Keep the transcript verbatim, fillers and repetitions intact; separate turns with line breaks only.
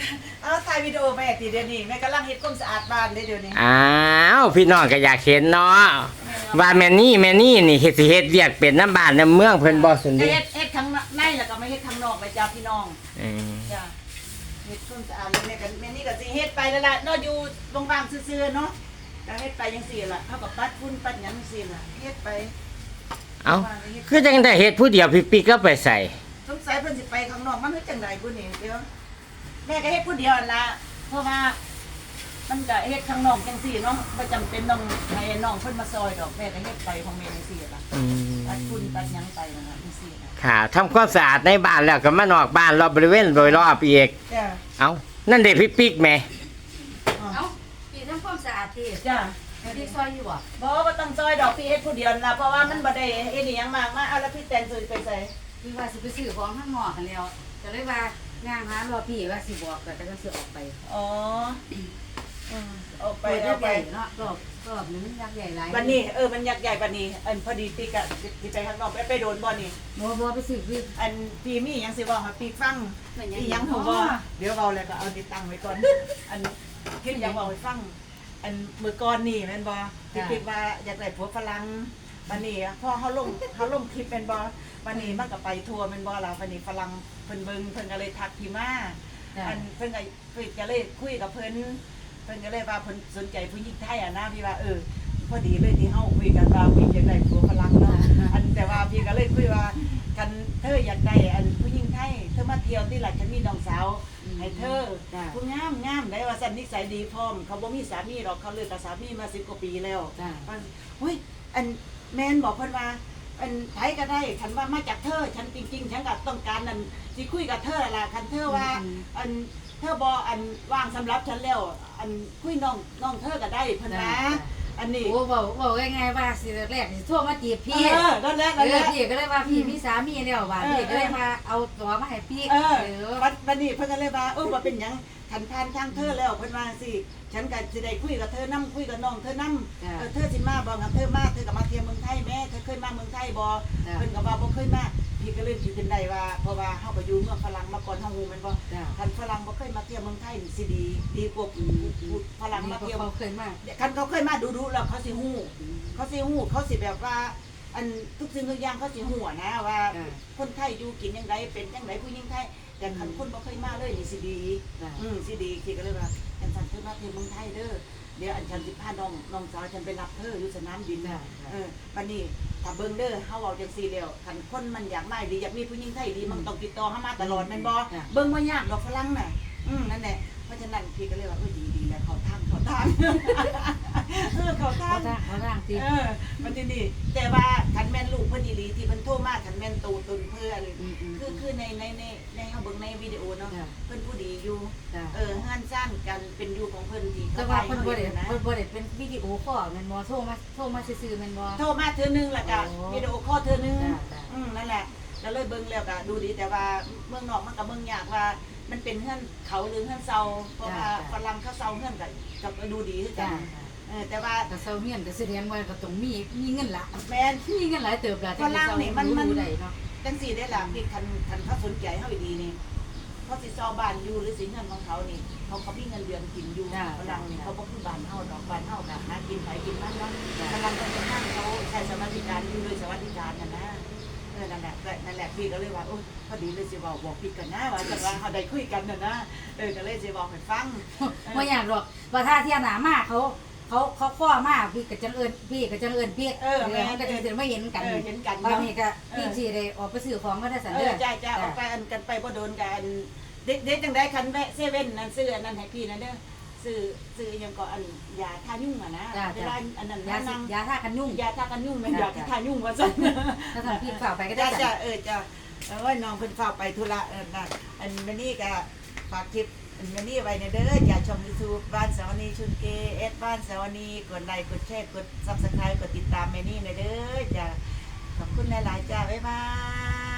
เอาถ่ายวิดีโอแม่ตีเดี๋ยวนี้แม่กำลังเฮ็ดความสะอาดบ้านเลยเดี๋ยวนี้
อ้าวพี่น้องก็อยากเห็นเนาะว่าแม่นี่แม่นี่นี่เฮ็ดสิเฮ็ดเวียกเป็นน้ำบ้านน้ำเมืองเพิ่นบ่สุน
เฮ็
ดิ
ดเฮ็ดข้างในแล้วก็ไม่เฮ็ดข้างนอกไปจ้าพี่น้อง
อืม
จ้าเฮ็ดความสะอาดแล้วแม่ก็แม่นี่ก็สิเฮ็ดไปแล้วล่ะเนาะอยู่ว่างๆซื่อๆเนาะก็เฮ็ดไปจังซี่ล่ะเฮาก็ปัดฝุ่นปัดหยังจังซี่ล่ะเฮ็ดไป
เอ้าคือจังได้เฮ็ดผู้เดียวพี่ปิ๊กก็ไปใส่
สงสัยเพิ่นสิไปข้างนอกมันเฮ็ดจังไดพุ่นนี่เดี๋ยวแม่ก็เฮ็ดผู้เดียวนั่นล่ะเพราะว่ามันก็เฮ็ดข้างนอกจังซี่เนาะบ่จำเป็นต้องให้น้องเพิ่นมาซอยดอกแม่ก็เฮ็ดไปของแม่จังซี่ล่ะ
อืม
ปัดฝุ่นปัดหยังไปนั่นล่ะจังซี่ล่ะ
ค่ะทำความสะอาดในบ้านแล้วก็มานอกบ้านรอบบริเวณโดยรอบอีก
จ้า
เอ้านั่นเด็กพี่ปิ๊กแหม่
เอ้าพี่ทำความสะอาดที่
จ้า
พี่ซอยอยู่บ่
บ่บ่ต้องซอยดอกพี่เฮ็ดผู้เดียวนั่นล่ะเพราะว่ามันบ่ได้เฮ็ดอีหยังมากมาเอาแล้วพี่แตนซื้อไปใส่
พี่ว่าสิไปซื้อของข้างนอกกันแล้วก็เลยว่างานหารอพี่ว่าสิบอกก็จะสิออกไป
อ๋ออืมเอาไป
ไป
เอาไป
เนาะรอบรอบนึงยักษ์ใหญ่หลาย
วันนี้เออมันยักษ์ใหญ่บัดนี้อันพอดีปีกอะสิไปข้างนอกไปไปโดนบ่นี่
บ่บ่ไปซื้อพี่
อันปีมีหยังสิบอกให้ปีฟังอีหยังผมบ่เดี๋ยวเว้าแล้วก็เอาติดตั้งไว้ก่อน อันเฮ็ดหยังเว้าให้ฟัง อันมื้อก่อนนี่แม่นบ่ที่คิดว่าอยากได้ผัวฝรั่งบัดนี้พอเฮาลงเฮาลงคลิปแม่นบ่บัดนี้มันก็ไปทั่วแม่นบ่ล่ะบัดนี้ฝรั่งเพิ่นเบิ่งเพิ่นก็เลยทักพี่มา อันเพิ่นก็เพิ่นก็เลยคุยกับเพิ่นเพิ่นก็เลยว่าเพิ่นสนใจผู้หญิงไทยอ่ะนะพี่ว่าเออพอดีเลยที่เฮาคุยกันว่าพี่อยากได้ผัวฝรั่งเนาะอันแต่ว่าพี่ก็เลยคุยว่ากันเธออยากได้อันผู้หญิงไทยเธอมาเที่ยวที่หลักฉันมีน้องสาวให้เธอผู้งามงามได้ว่าสันนิสัยดีพร้อมเขาบ่มีสามีหรอกเขาเลิกกับสามีมาสิบกว่าปีแล้วมันเฮ้ยอันแม่นบอกเพิ่นว่าอันไทยก็ได้ฉันว่ามาจากเธอฉันจริงๆฉันก็ต้องการนั่นสิคุยกับเธอล่ะคันเธอว่าอันเธอบออันว่างสำหรับฉันแล้วอันคุยน้องน้องเธอก็ได้เพิ่นนะอันนี้
โอ้เว้าเว้าง่ายๆว่าสิแรกสิโทรมาจีบพี่
เออนั่นแหละ
เอ
นั่นแห
อ
ละ
พี่ก็เลยว่าพี่มีสามีแล้วว่าพี่ก็เลยมาเอาตัวมาให้พี่
เออ
เออ
วันวันนี้เพิ่นก็เลยว่าเออว่าเป็นหยังขันทานทางเธอแล้วเพิ่นว่าสิฉันก็สิได้คุยกับเธอนํคุยกับน้องเธอนํเออเธอสิมาบ่กับเธอมาเธอก็มาเที่ยวเมืองไทยแม่เธอเคยมาเมืองไทยบ่เพิ่นก็ว่าบ่เคยมาพี่ก็เลยคิดขึ้นได้ว่าเพราะว่าเฮาก็อยู่เมืองฝรั่งมาก่อนเฮาฮู้แม่นบ่
จ้ะ
คันฝรั่งบ่เคยมาเที่ยวเมืองไทยนี่สิดีดีกว่าฝรั่งมาเที่ยว
เขาเคยมา
คันเขาเคยมาดูๆแล้วเขาสิฮู้เขาสิฮู้เขาสิแบบว่า อันทุกสิ่งทุกอย่างเขาสิฮู้อะนะว่า คนไทยอยู่กินจังไดเป็นจังไดผู้หญิงไทยแต่คันคนบ่เคยมาเลยนี่สิดี อืมสิดีคิดก็เลยว่าอันฉันเธอมาเที่ยวเมืองไทยเด้อเดี๋ยวอันฉันสิพาน้องน้องสาวฉันไปรับเธออยู่สนามบินเออวันนี้ถ้าเบิ่งเด้อเฮาเว้าจังซี่แล้วคันคนมันอยากมาดีอยากมีผู้หญิงไทยดีมันต้องติดต่อเฮามาตลอดแม่นบ่เบิ่งบ่ยากดอกฝรั่งน่ะอืมนั่นแหละเพราะฉะนั้นพี่ก็เลยว่าเออดีดีแล้วเขาทางเขาทางเออเขาทา
เขา
ง
จ้างเขาจ้างตี
เออมันที่นี่แต่ว่าคันแม่นลูกเพิ่นอีหลีที่เพิ่นโทรมาคันแม่นตูตุนเพื่อนคือคือในในในในเฮาเบิ่งในวิดีโอเนาะเพิ่นผู้ดีอยู่เออเฮือนซ่านกันเป็นอยู่ของเพิ่นที่
แต่
เขา
ว่า
ไป
เพิ่นบ่ได้
นะ
เพิ่นบ่ได้เป็นวิดีโอคอลแม่นบ่โทรมาโทรมาซื่อๆแม่นบ่
โทรมาเทื่อนึงแล้วก็
โอ้
วิดีโอคอลเทื่อนึง
จ้ะจ้ะ
อืมนั่นแหละก็เลยเบิ่งแล้วก็ดูดีแต่ว่าเมืองนอกมันก็เบิ่งยากว่ามันเป็นเฮือนเขาหรือเฮือนเซาเพราะว่าฝรั่งเขาเซาเฮือนก็ก็ดูดีคือกั
จ้าน
เออแต่ว่า
แต่เซาเฮียนก็แสดงว่าก็ต้องมีมีเงินละ
แม่น
มีเงินหลายเติบละจังสิเซารู้ได้เนาะ
จังสี่ได้ล่ะพี่คันคันเขาสนใจเฮาดีนี่เขาสิซอบ้านอยู่หรือสิเงินของเขานี่เขาเขามีเงินเดือนกินอยู่ฝรั่งนี่เขาบ่คือบ้านเฮาดอกบ้านเฮาน่ะหากินไปกินมันเนาะฝรั่งเพิ่นจะนั่งเขาใช้สวัสดิการอยู่โดยสวัสดิการน่ะนะเออนั่นแหละนั่นแหละพี่ก็เลยว่าโอ้พอดีเลยสิเว้าบอกพี่กันนะว่าจังว่าเฮาได้คุยกันน่ะนะเออก็เลยสิเว้าให้ฟัง
บ่อยากหรอกว่าถ้าเที่ยหน้ามาเขาเขาเขาข้อมาพี่ก็จังเอิ้นพี่ก็จังเอิ้นพี่เออมันก็จังสิมาเห็นกัน
เออเห็นกัน
บางทีก็พี่สิได้ออกไปซื้อของก็ได้สัน
เอ
เด้
อ
อ
จ้าจ้าออกไปอันกันไปบ่โดนกันเด็กเด็กจังได้คันแวะเซเว่นนั่นซื้ออันนั้นให้พี่นั่นเด้อซื้อซื้อยังก็อันยาทายุ่งอ่ะนะเวลาอันนั้น
ยา
นั่ง
ยาทากันยุ่ง
ยาทากันยุ่งแม่นยาทายุ่งว่าซั่น
ถ้าทำพี่ฝ่าไปก็ได้
จ้า
จ้ะ
จ้าเออจ้าเออน้องเพิ่นฝากไปธุระเออน่ะอันมื้อนี้ก็ฝากคลิปอันมื้อนี้ไว้ในเด้ออย่าชม YouTube บ้านสาวนีชุนเกเอสบ้านสาวนีกดไลค์กดแชร์กด Subscribe กดติดตามแม่นี่ในเด้อจ้าขอบคุณหลายๆจ้าบ๊ายบาย